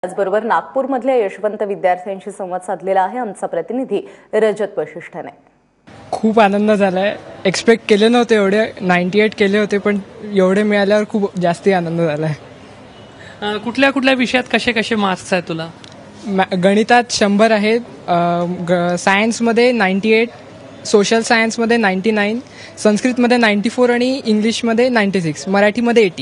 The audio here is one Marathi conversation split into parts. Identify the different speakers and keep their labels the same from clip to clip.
Speaker 1: त्याचबरोबर नागपूरमधल्या यशवंत विद्यार्थ्यांशी संवाद साधलेला आहे आमचा प्रतिनिधी रजत वशिष्ठने।
Speaker 2: खूप आनंद झालाय। एक्सपेक्ट केले नव्हते एवढे, 98 केले होते, पण एवढे मिळाल्यावर खूप जास्ती आनंद झालाय।
Speaker 3: कुठल्या कुठल्या विषयात कसे कसे मार्क्स आहेत तुला?
Speaker 2: गणितात 100 आहेत, सायन्समध्ये 98, सोशल सायन्समध्ये 99, संस्कृतमध्ये 94 आणि इंग्लिशमध्ये 96, मराठीमध्ये 80।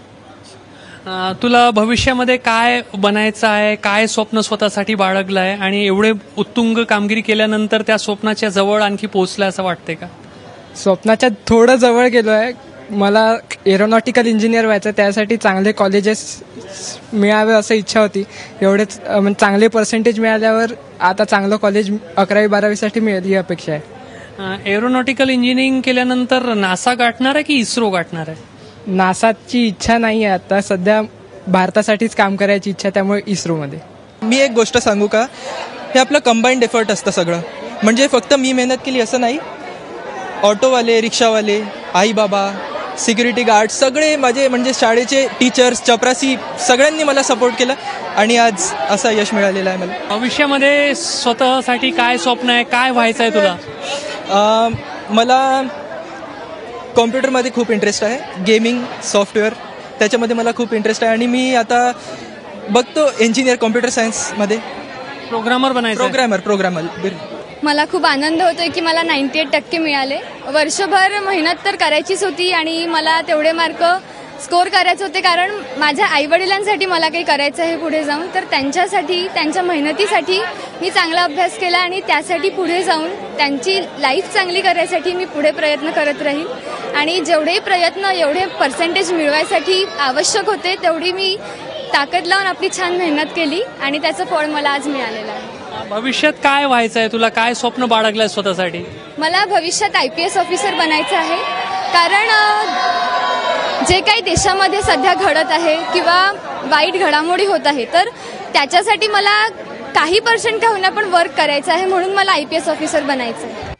Speaker 3: तुला भविष्यामध्ये काय बनायचं आहे, काय स्वप्न स्वतःसाठी बाळगलं आहे आणि एवढे उत्तुंग कामगिरी केल्यानंतर त्या स्वप्नाच्या जवळ आणखी पोहोचलं असं वाटतंय का? स्वप्नाच्या
Speaker 2: थोडं जवळ गेलो आहे। मला एरोनॉटिकल इंजिनियर व्हायचं, त्यासाठी चांगले कॉलेजेस मिळावे असं इच्छा होती। एवढेच चांगले पर्सेंटेज मिळाल्यावर आता चांगलं कॉलेज 11वी 12वीसाठी मिळेल ही अपेक्षा आहे।
Speaker 3: एरोनॉटिकल इंजिनिअरिंग केल्यानंतर नासा गाठणार आहे की इस्रो गाठणार आहे?
Speaker 2: नासाची इच्छा नाही आहे आता, सध्या भारतासाठीच काम करायची इच्छा, त्यामुळे इस्रोमध्ये।
Speaker 4: मी एक गोष्ट सांगू का, हे आपलं कंबाईंड एफर्ट असतं सगळं, म्हणजे फक्त मी मेहनत केली असं नाही। ऑटोवाले, रिक्षावाले, आई बाबा, सिक्युरिटी गार्ड, सगळे माझे म्हणजे शाळेचे टीचर्स, चपरासी, सगळ्यांनी मला सपोर्ट केला आणि आज असं यश मिळालेलं आहे मला।
Speaker 3: भविष्यामध्ये स्वतःसाठी काय स्वप्न आहे, काय व्हायचं आहे तुला?
Speaker 4: मला कॉम्प्युटरमध्ये खूप इंटरेस्ट आहे, गेमिंग, सॉफ्टवेअर, त्याच्यामध्ये मला खूप इंटरेस्ट आहे आणि मी आता बघतो इंजिनियर कॉम्प्युटर सायन्समध्ये
Speaker 3: प्रोग्रामर बनायचं।
Speaker 4: प्रोग्रामर।
Speaker 5: मला खूप आनंद होतोय की मला 98% मिळाले। वर्षभर मेहनत तर करायचीच होती आणि मला तेवढे मार्क स्कोर करायचे होते, कारण माझ्या आईवडिलांसाठी मला काही करायचं आहे पुढे जाऊन, तर त्यांच्यासाठी, त्यांच्या मेहनतीसाठी मी चांगला अभ्यास केला आणि त्यासाठी पुढे जाऊन त्यांची लाईफ चांगली करायसाठी मी पुढे प्रयत्न करत राहील आणि जेवढे प्रयत्न, एवढे पर्सेंटेज मिळवायसाठी आवश्यक होते तेवढी मी ताकद लावून आपली छान मेहनत केली आणि त्याचं फळ मला आज मिळालेलं आहे।
Speaker 3: भविष्यात काय व्हायचं आहे तुला, काय स्वप्न बाळगलंय स्वतःसाठी?
Speaker 5: मला भविष्यात IPS ऑफिसर बनायचं आहे, कारण जे काही देशामध्ये सध्या घडत आहे किंवा वाईट घडामोडी होत आहे, तर त्याच्यासाठी मला काही पर्सेंट का होईना पण वर्क करायचं आहे, म्हणून मला IPS ऑफिसर बनायचं आहे।